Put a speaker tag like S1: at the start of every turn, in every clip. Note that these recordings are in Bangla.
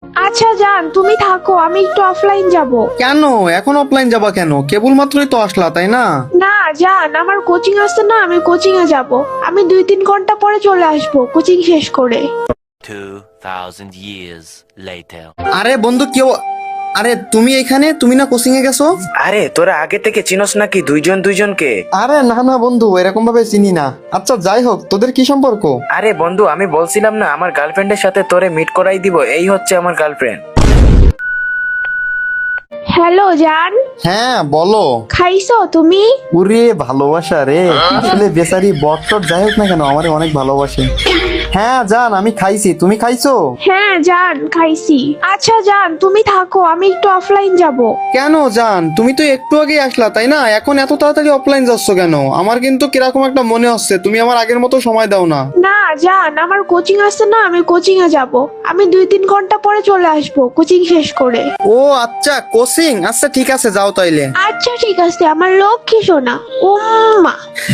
S1: আচ্ছা জান, তুমি থাকো, আমি একটু অফলাইন যাব।
S2: কেন এখন অফলাইন যাবা কেন? কেবল মাত্রই তো আসলা, তাই না?
S1: না জান, আমার কোচিং আছে না, আমি কোচিং এ যাব। আমি 2-3 ঘন্টা পরে চলে আসব কোচিং শেষ করে।
S3: 2000 years later.
S2: আরে বন্ধু কেউ, আরে তুমি এখানে, তুমি না কোচিং এ গেছো?
S4: আরে তোরা আগে থেকে চিনস নাকি দুইজন দুইজনকে?
S2: আরে না না বন্ধু, এরকম ভাবে চিনি না। আচ্ছা যাই হোক, তোদের কি সম্পর্ক?
S4: আরে বন্ধু, আমি বলছিলাম না আমার গার্লফ্রেন্ডের সাথে তোরে মিট করাই দিব, এই হচ্ছে আমার গার্লফ্রেন্ড।
S1: হ্যালো জান,
S2: হ্যাঁ বলো।
S1: খাইছো তুমি?
S2: ওরে ভালোবাসা রে, আসলে বেচারি বটটট যাই হোক না কেন আমারে অনেক ভালোবাসে। হ্যাঁ জান, আমি খাইছি, তুমি খাইছো?
S1: হ্যাঁ জান, খাইছি। আচ্ছা জান, তুমি থাকো, আমি একটু অফলাইন যাব।
S2: কেন জান, তুমি তো একটু আগে আসলা তাই না? এখন এত তাড়াতাড়ি অফলাইন যাচ্ছ কেন? আমার কিন্তু কিরকম একটা মনে হচ্ছে তুমি আমার আগের মতো সময় দাও না।
S1: না জান, আমার কোচিং আছে না, আমি কোচিং এ যাব। আমি 2-3 ঘন্টা পরে চলে আসব কোচিং শেষ করে।
S2: ও আচ্ছা, কোচিং, আচ্ছা ঠিক আছে যাও তাইলে।
S1: আচ্ছা ঠিক আছে, আমার লক্ষ্মী সোনা। উম্মা।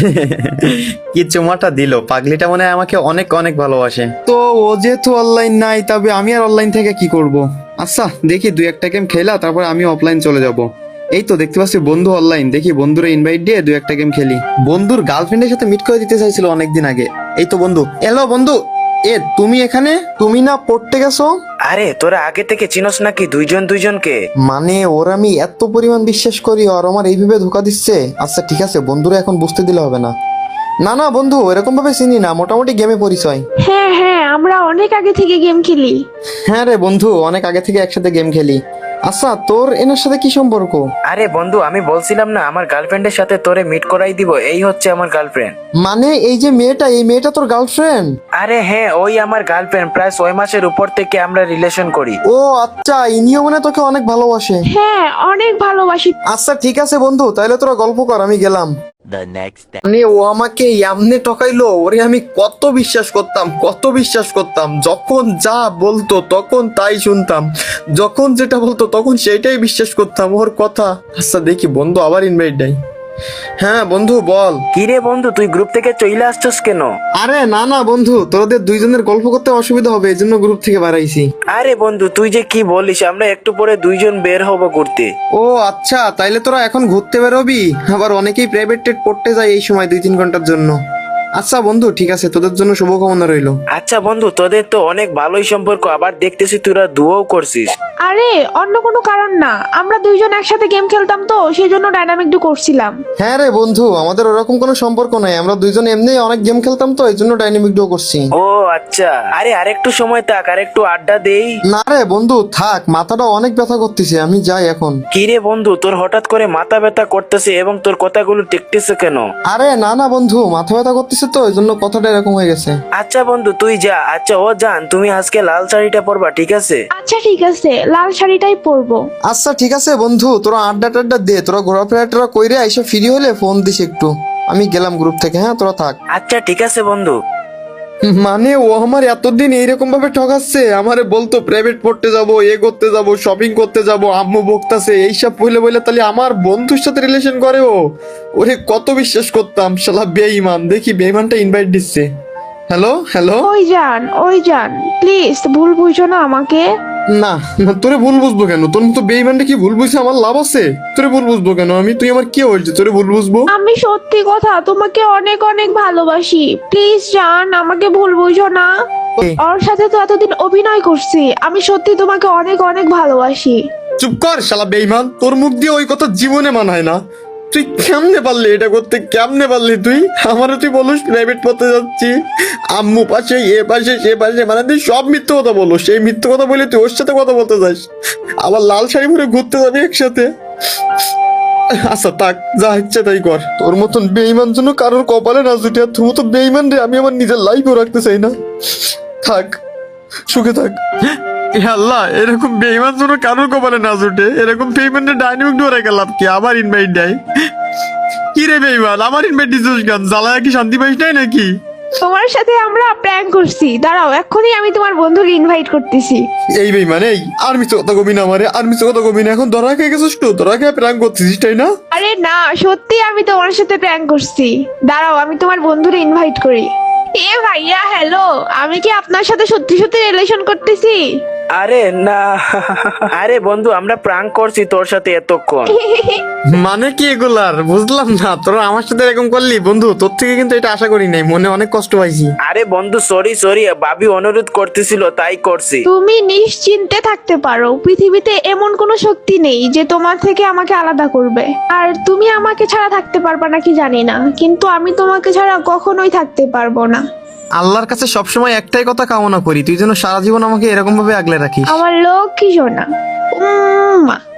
S2: কি চুমাটা দিল পাগলিটা, মনে হয় আমাকে অনেক অনেক ভালোবাসে। তো ও যেহেতু অনলাইন নাই, তবে আমি আর অনলাইন থেকে কি করব? আচ্ছা দেখি 2-1টা গেম খেলা, তারপর আমি অফলাইন চলে যাব। এই তো দেখতে পাচ্ছি বন্ধু অনলাইন, দেখি বন্ধুরে ইনভাইট দিয়ে 2-1টা গেম খেলি। বন্ধুর গার্লফ্রেন্ডের সাথে মিট করে দিতে চাইছিল অনেকদিন আগে। এই তো বন্ধু, হ্যালো বন্ধু। এ তুমি এখানে, তুমি না পড়তে গেছো?
S4: আরে তোরা আগে থেকে চিনস নাকি দুইজন দুইজনকে?
S2: মানে ওর আমি এত পরিমাণ বিশ্বাস করি, আর আমার এইভাবে ধোকা দিচ্ছে। আচ্ছা ঠিক আছে, বন্ধুরা এখন বুঝতে দিলে হবে না। না না বন্ধু, এরকম ভাবে চিনি না, মোটামুটি গেমে পরিচয়।
S1: হ্যাঁ হ্যাঁ, আমরা অনেক আগে থেকে গেম খেলি।
S2: হ্যাঁ রে বন্ধু, অনেক আগে থেকে একসাথে গেম খেলি। আচ্ছা তোর এনার সাথে কি সম্পর্ক?
S4: আরে বন্ধু, আমি বলছিলাম না আমার গার্লফ্রেন্ডের সাথে তোরে মিট করাই দিব, এই হচ্ছে আমার গার্লফ্রেন্ড।
S2: মানে এই যে মেয়েটা, এই মেয়েটা তোর গার্লফ্রেন্ড?
S4: আরে হ্যাঁ, ওই আমার গার্লফ্রেন্ড, প্রায় 6 মাসের উপর থেকে আমরা রিলেশন করি।
S2: ও আচ্ছা, ইনিও মানে তোকে অনেক ভালোবাসে।
S1: হ্যাঁ, অনেক ভালোবাসি।
S2: আচ্ছা ঠিক আছে বন্ধু, তাহলে তোরা গল্প কর, আমি গেলাম।
S3: The next day.
S2: মানে ও আমাকে এমনি ঠকাইলো, ওরে আমি কত বিশ্বাস করতাম, কত বিশ্বাস করতাম। যখন যা বলতো তখন তাই শুনতাম, যখন যেটা বলতো তখন সেটাই বিশ্বাস করতাম ওর কথা। আচ্ছা দেখি বন্ধু আবার ইনভাইট দেয়। হ্যাঁ বন্ধু বল।
S4: কি রে বন্ধু, তুই গ্রুপ থেকে চলে আসছস কেন?
S2: আরে না না বন্ধু, তোদের দুইজনের গল্প করতে অসুবিধা হবে, এই জন্য গ্রুপ থেকে বাড়াইছি।
S4: আরে বন্ধু তুই যে কি বলিস, আমরা একটু পরে দুইজন বের হব ঘুরতে।
S2: ও আচ্ছা, তাইলে তোরা এখন ঘুরতে বেরোবি? আবার অনেকেই প্রাইভেট টেট পড়তে যায় এই সময় 2-3 ঘন্টার জন্য। আচ্ছা বন্ধু ঠিক আছে, তোদের জন্য শুভকামনা রইলো।
S4: আচ্ছা বন্ধু, তোদের তো অনেক ভালোই সম্পর্ক, আবার দেখতেছি তোরা দুও করছিস।
S1: আরে অন্য কোনো কারণ না, আমরা দুইজন একসাথে গেম খেলতাম তো সেই জন্য ডাইনামিক ডু করছিলাম।
S2: হ্যাঁ রে বন্ধু, আমাদের ওরকম কোনো সম্পর্ক নাই, আমরা দুইজন এমনি অনেক গেম খেলতাম তো এই জন্য ডাইনামিক ডুও করছি।
S4: ও আচ্ছা, আরে আরেকটু সময় থাক, আরেকটু আড্ডা দেই।
S2: না রে বন্ধু থাক, মাথাটা অনেক ব্যথা করতেছে, আমি যাই এখন।
S4: কি রে বন্ধু, তোর হঠাৎ করে মাথা ব্যথা করতেছে এবং তোর কথাগুলো টিকতেছে কেন?
S2: আরে না না বন্ধু, মাথা ব্যথা করতেছে তো এই জন্য কথাটা এরকম হয়ে গেছে।
S4: আচ্ছা বন্ধু তুই যা। আচ্ছা ও জান, তুমি আজকে লাল শাড়িটা পরবা, ঠিক আছে?
S1: আচ্ছা ঠিক আছে, লাল শাড়িটাই পরবো।
S2: আচ্ছা ঠিক আছে বন্ধু, তোরা আড্ডা টাড্ডা দে, তোরা ঘোরাফেরা টোরা কইরে এসে ফ্রি হলে ফোন দিস একটু। আমি গেলাম গ্রুপ থেকে, হ্যাঁ তোরা থাক।
S4: আচ্ছা ঠিক আছে বন্ধু।
S2: মানে ও আমার এতদিন এইরকম ভাবে ঠকাচ্ছে, আমারে বলতো প্রাইভেট পড়তে যাব, এ করতে যাব, শপিং করতে যাব, আম্মু বকতাছে, এইসব বলে বলে তাহলে আমার বন্ধুর সাথে রিলেশন করে ও। ওরে কত বিশ্বাস করতাম, শালা বেঈমান। দেখি বেঈমানটা ইনভাইট দিচ্ছে। Hello hello.
S1: ওই যান প্লিজ, ভুল বুঝো না আমাকে।
S2: না না, তোরে ভুল বুঝবো কেন? তোর মতো বেঈমানটা কি ভুল বুঝছে আমার লাভ আছে? তোরে ভুল বুঝবো কেন আমি? তুই আমার কি হয়েছে তোরে ভুল বুঝবো?
S1: আমি সত্যি কথা তোমাকে অনেক অনেক ভালোবাসি, প্লিজ জান আমাকে ভুল বুঝো না। ওর সাথে তো এতদিন অভিনয় করছি, আমি সত্যি তোমাকে অনেক অনেক ভালোবাসি।
S2: চুপ কর শালা বেঈমান, তোর মুখ দিয়ে ওই কথা জীবনে মানায় না। তুই কেমনে পারলি এটা করতে? কেমনে পারলি তুই? আমারও তুই বলিস প্রাইভেট পড়তে যাচ্ছি, আম্মু পাশে, এ পাশে, সে পাশে, মানে তুই সব মিথ্যে কথা বলো। সেই মিথ্যে কথা বলে তুই ওর সাথে কথা বলতে যাস, আবার লাল শাড়ি পরে ঘুরতে যাবি একসাথে। আচ্ছা থাক, যা ইচ্ছে তাই কর। তোর মতন বেঈমান জন্য কারোর কপালে না জুটে, আর তোর মতো বেঈমান রে আমি আমার নিজের লাইফও রাখতে চাই না। থাক, সুখে থাক। এ আল্লাহ, এরকম বেঈমান জন্য কারোর কপালে না জুটে। এরকম বেঈমানের ডাইনামিক ডোরে গেলাম কি? আবার ইনভাইট দেয়। কি রে বেঈমান, আমার ইনভাইট দিছিস কেন? জ্বালায় কি শান্তি পাইস নাই নাকি?
S1: তোমার সাথে আমরা প্র্যাঙ্ক করছি, দাঁড়াও এক্ষুনি আমি তোমার বন্ধুকে ইনভাইট করতেছি।
S2: এই বেঈমান, এই আর মিছে কথা কবি না আমারে, আর মিছে কথা কবি না। এখন ধরা খেয়ে গেছিস তো, ধরা খেয়ে প্র্যাঙ্ক করতেছিস তাই না?
S1: আরে না, সত্যি আমি তোমার সাথে প্র্যাঙ্ক করছি। দাঁড়াও আমি তোমার বন্ধুরে ইনভাইট করি। এ ভাইয়া হ্যালো, আমি কি আপনার সাথে সত্যি সত্যি রিলেশন করতেছি?
S4: আরে না আরে বন্ধু আমরা প্রাঙ্ক করছি তোর সাথে এতক্ষণ।
S2: মানে কি এগুলার বুঝলাম না, তোরা আমার সাথে এরকম করলি বন্ধু, তোর থেকে কিন্তু এটা আশা করি নাই, মনে অনেক কষ্ট পাইছি।
S4: আরে বন্ধু সরি ভাবি অনুরোধ করতেছিল তাই করছি।
S1: তুমি নিশ্চিন্তে থাকতে পারো, পৃথিবীতে এমন কোনো শক্তি নেই যে তোমার থেকে আমাকে আলাদা করবে। আর তুমি আমাকে ছাড়া থাকতে পারবা নাকি জানি না, কিন্তু আমি তোমাকে ছাড়া কখনোই থাকতে পারবো না।
S2: আল্লাহর কাছে সবসময় একটাই কথা কামনা করি, তুই যেন সারা জীবন আমাকে এরকম ভাবে আগলে রাখিস।
S1: আমার লক্ষ্মী সোনা। উম্মা।